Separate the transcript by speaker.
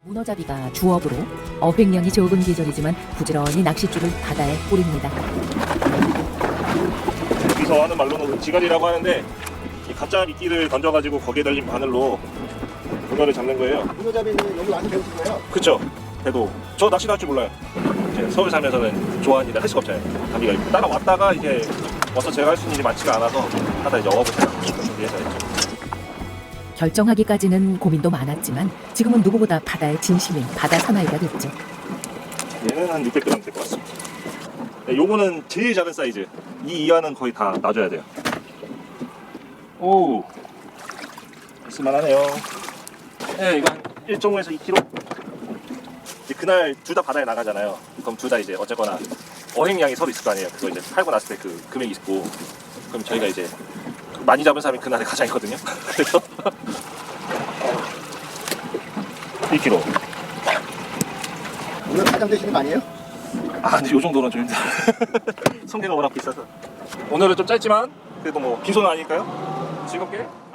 Speaker 1: 문어잡이가 주업으로 어획량이 적은 계절이지만 부지런히 낚싯줄을 바다에 뿌립니다.
Speaker 2: 여기서 하는 말로는 지갈이라고 하는데 이 가짜 미끼를 던져가지고 거기에 달린 바늘로 문어를 잡는 거예요.
Speaker 3: 문어잡이는 여기 와서 배우신 거예요?
Speaker 2: 그쵸? 그래도 저 낚시 할 줄 몰라요. 이제 서울 살면서는 좋아하는 일을 할 수가 없잖아요. 감기가 있고 따라왔다가 이제 와서 제가 할 수 있는 일이 많지가 않아서 하다 이제 어업을 준비해서 했죠.
Speaker 1: 결정하기까지는 고민도 많았지만 지금은 누구보다 바다의 진심인 바다 사나이가 됐죠.
Speaker 2: 얘는 한 600g 될 것 같습니다. 네, 요거는 제일 작은 사이즈. 이 이하는 거의 다 놔줘야 돼요. 오, 있을만하네요. 네, 이거 한 1.5에서 2kg. 이제 그날 둘 다 바다에 나가잖아요. 그럼 둘 다 이제 어쨌거나 어획량이 서로 있을 거 아니에요. 그거 이제 팔고 났을 때 그 금액이 있고, 그럼 저희가 이제 많이 잡은 사람이 그날의 가장이거든요. 그래서 1kg.
Speaker 3: 오늘 가장 되시는 거 아니에요?
Speaker 2: 아, 근데 요 정도는 좀 힘들어요. 성게가 워낙 비싸서. 오늘은 좀 짧지만 그래도 뭐 빈손은 아니니까요. 즐겁게